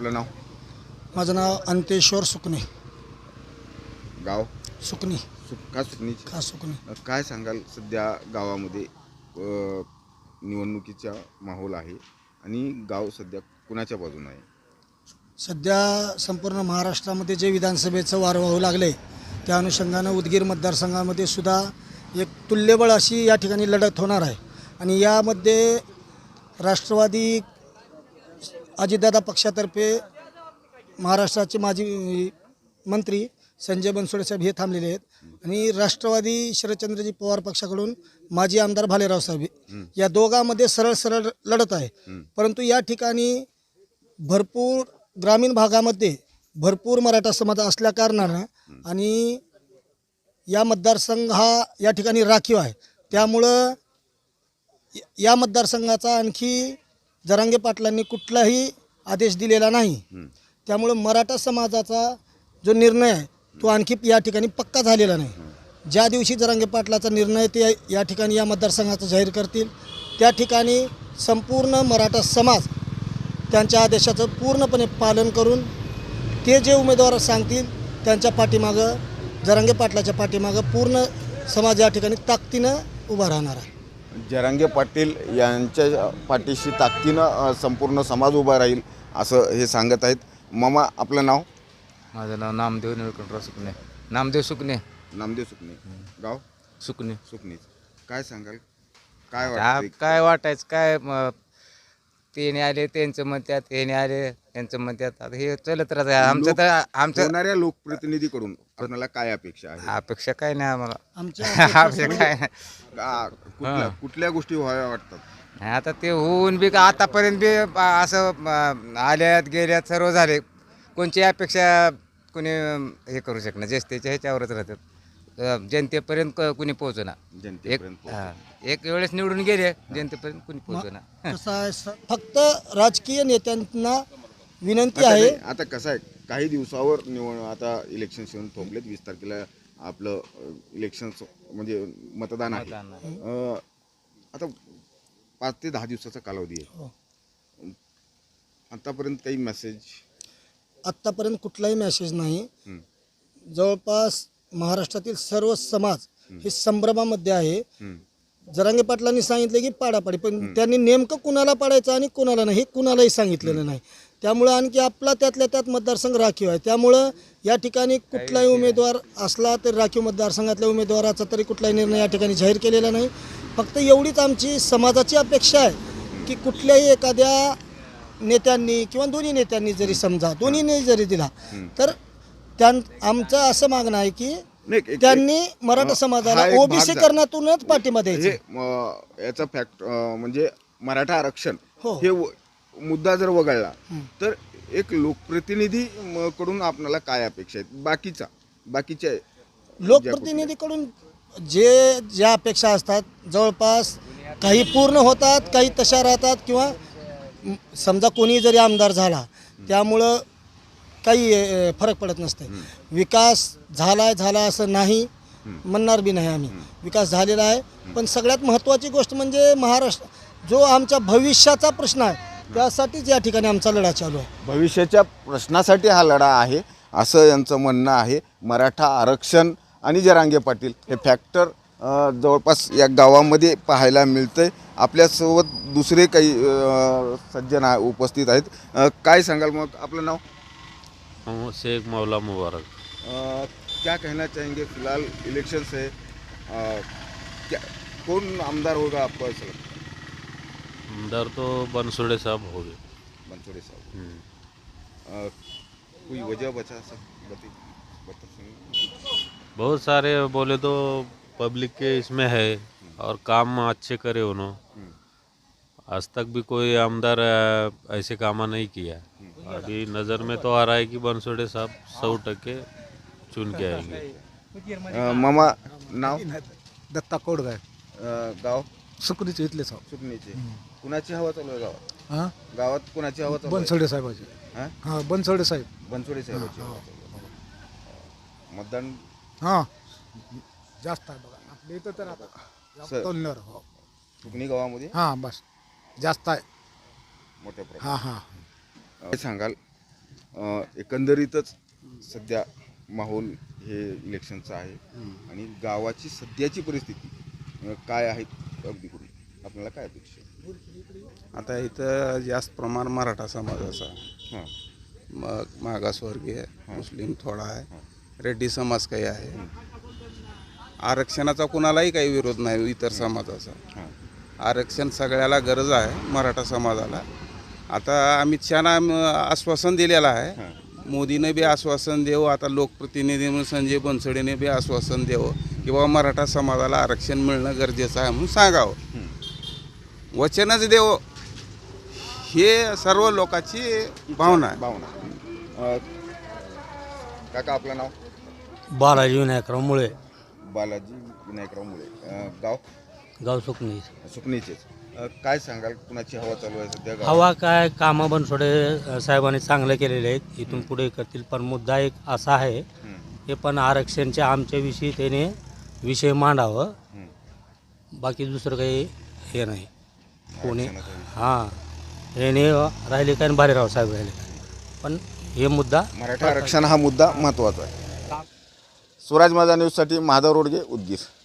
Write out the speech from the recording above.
आपलं नाव? माझं नाव अंतेश्वर सुकणे. गाव? सुकणी. का सुकणीची? का सुकणे. काय सांगाल सध्या गावामध्ये निवडणुकीचा माहोल आहे आणि गाव सध्या कुणाच्या बाजूने आहे? सध्या संपूर्ण महाराष्ट्रामध्ये जे विधानसभेचं वारं वाहू लागले त्या अनुषंगानं उदगीर मतदारसंघामध्ये सुद्धा एक तुल्यबळ अशी या ठिकाणी लढत होणार आहे. आणि यामध्ये राष्ट्रवादी अजितदादा पक्षातर्फे महाराष्ट्राचे माजी मंत्री संजय बनसोडे साहेब हे थांबलेले आहेत आणि राष्ट्रवादी शरदचंद्रजी पवार पक्षाकडून माजी आमदार भालेराव साहेब या दोघांमध्ये सरळ सरळ लढत आहे. परंतु या ठिकाणी भरपूर ग्रामीण भागामध्ये भरपूर मराठा समाज असल्या कारणानं आणि या मतदारसंघ हा या ठिकाणी राखीव आहे, त्यामुळं या मतदारसंघाचा आणखी जरांगे पाटलांनी कुठलाही आदेश दिलेला नाही. त्यामुळं मराठा समाजाचा जो निर्णय आहे तो आणखी या ठिकाणी पक्का झालेला नाही. ज्या दिवशी जरांगे पाटलाचा निर्णय ते या ठिकाणी या मतदारसंघाचा जाहीर करतील त्या ठिकाणी संपूर्ण मराठा समाज त्यांच्या आदेशाचं पूर्णपणे पालन करून ते जे उमेदवार सांगतील त्यांच्या पाठीमागं जरांगे पाटलाच्या पाठीमागं पूर्ण समाज या ठिकाणी ताकदीनं उभा राहणार आहे. जरांगे पाटील यांच्या पाठीशी ताकदीनं संपूर्ण समाज उभा राहील असं हे सांगत आहेत. मामा आपलं नाव? माझं नाव नामदेव निळकंठराव सुकणे. नामदेव सुकणे. नामदेव सुकणे. गाव? सुकणे. सुकणीच. काय सांगाल? काय वाटतं? काय वाटायचं काय तेने आले त्यांचं म्हणतात, हेने आले त्यांचं म्हणतात. आता हे चलत राहत. आमचं तर आमचं होणाऱ्या लोकप्रतिनिधीकडून आपल्याला काय अपेक्षा आहे? अपेक्षा काय नाही आम्हाला. आमच्या अपेक्षा काय नाही. कुठल्या गोष्टी व्हाव्या वाटतात? आता ते होऊन बी आतापर्यंत बी असं आल्यात गेल्यात सर्व झाले. कोणची अपेक्षा कोणी हे करू शकणार. त्याच्या ह्याच्यावरच राहतात. जनतेपर्यंत कुणी पोहोचणार. जनतेपर्यंत एक वेळेस निवडून गेले जनतेपर्यंत कुणी पोहोचणार. कसं आहे फक्त राजकीय नेत्यांना विनंती आहे. आता कसं आहे, काही दिवसावर आता इलेक्शन येऊन थोपलेत. 20 तारखेला आपलं इलेक्शन म्हणजे मतदान आहे. आता 5 ते 10 दिवसाचा कालावधी आहे. आतापर्यंत काही मेसेज? आत्तापर्यंत कुठलाही मेसेज नाही. जवळपास महाराष्ट्रातील सर्व समाज हे संभ्रमामध्ये आहे. जरांगे पाटलांनी सांगितले की पाडापाडी, पण त्यांनी नेमकं कुणाला पाडायचं आणि कुणाला नाही हे कुणालाही सांगितलेलं नाही. त्यामुळं आणखी आपला त्यातल्या त्यात मतदारसंघ राखीव आहे. त्यामुळं या ठिकाणी कुठलाही उमेदवार असला तर राखीव मतदारसंघातल्या उमेदवाराचा तरी कुठलाही निर्णय या ठिकाणी जाहीर केलेला नाही. फक्त एवढीच आमची समाजाची अपेक्षा आहे की कुठल्याही एखाद्या नेत्यांनी किंवा दोन्ही नेत्यांनी जरी समजा दोन्हीने जरी दिला तर आमचं असं मागणं आहे की त्यांनी मराठा समाजाला ओबीसी करण्यातूनच पाठिंबा द्यायचा. याचा फॅक्ट म्हणजे मराठा आरक्षण हो. हे मुद्दा जर वगळला तर एक लोकप्रतिनिधी कडून आपल्याला काय अपेक्षा आहेत? बाकीच्या लोकप्रतिनिधीकडून ज्या अपेक्षा असतात जवळपास काही पूर्ण होतात, काही तशा राहतात. किंवा समजा कोणी जरी आमदार झाला त्यामुळं काही फरक पडत नसते. विकास झाला असं नाही म्हणणार बी नाही आम्ही. विकास झालेला आहे. पण सगळ्यात महत्त्वाची गोष्ट म्हणजे महाराष्ट्र जो आमच्या भविष्याचा प्रश्न आहे त्यासाठीच या ठिकाणी आमचा लढा चालू आहे. भविष्याच्या प्रश्नासाठी हा लढा आहे असं यांचं म्हणणं आहे. मराठा आरक्षण आणि जरांगे पाटील हे फॅक्टर जवळपास या गावामध्ये पाहायला मिळतंय. आपल्यासोबत दुसरे काही सज्जन उपस्थित आहेत. काय सांगाल मग? आपलं नाव? शेख मौला मुबारक. क्या कहना चाहेंगे? फिलहाल इलेक्शन से कौन आमदार होगा आपको ऐसा लगता है? आमदार तो बनसोड़े साहब हो गए. बनसोड़े साहब. कोई वजह बता सकते? बहुत सारे बोले तो पब्लिक के इसमें है और काम अच्छे करे उन्होंने. आज तक भी कोई आमदार ऐसे काम नहीं किया. अभी नज़र में तो आ रहा है कि बनसोड़े साहब 100% चुन के आएंगे. मामा नाव? दत्ता कोडगाय. गाव? सुकणीचे इथले साहेब. सुकणीचे. कुणाची हवा चालू आहे गावात? हां, गावात कुणाची हवा चालू आहे? बनसोडे साहेबाची. हां, बनसोडे साहेब. बनसोडे साहेबाची हवा चालू आहे. मतदान हां जास्त आहे बघा आपल्या इथं तर आता तोलण्यावर. हो सुकणी गावामध्ये हां बस जास्त आहे. मोठ्या प्रमाणात. हां हां. काय सांगाल एकंदरीतच सध्या माहोल हे इलेक्शनचं आहे आणि गावाची सध्याची परिस्थिती काय आहे अगदी करून आपल्याला काय अपेक्षा आहे? आता इथं जास्त प्रमाण मराठा समाजाचा, हां मग मागासवर्गीय, मुस्लिम थोडा आहे, रेड्डी समाज काही आहे. आरक्षणाचा कुणालाही काही विरोध नाही इतर समाजाचा. हां आरक्षण सगळ्याला गरज आहे, मराठा समाजाला. आता अमित शहानं आश्वासन दिलेलं आहे, मोदीने बी आश्वासन देऊ, आता लोकप्रतिनिधी म्हणून संजय बनसोडेने बी आश्वासन देऊ की बाबा मराठा समाजाला आरक्षण मिळणं गरजेचं आहे म्हणून सांगावं. वचनच देव हे सर्व लोकांची भावना आहे. भावना काका आपलं नाव? बालाजी विनायकराव मुळे, बालाजी विनायकराव मुळे. गाव? गाव सुकणी. सुकणीचेच. काय सांगाल कुणाची हवा चालू आहे सध्या गावात? हवा काय, कामं बनसोडे साहेबांनी चांगले केलेले आहेत, इथून पुढे करतील. पण मुद्दा एक असा आहे, हे पण आरक्षणच्या आमच्याविषयी त्याने विषय मांडावं, बाकी दुसरं काही हे नाही. कोणी हां याने राहिले काय भालेराव साहेब राहिले काय, पण हे मुद्दा मराठा आरक्षण हा मुद्दा महत्त्वाचा आहे. स्वराज माझा न्यूजसाठी माधव रोडगे, उदगीर.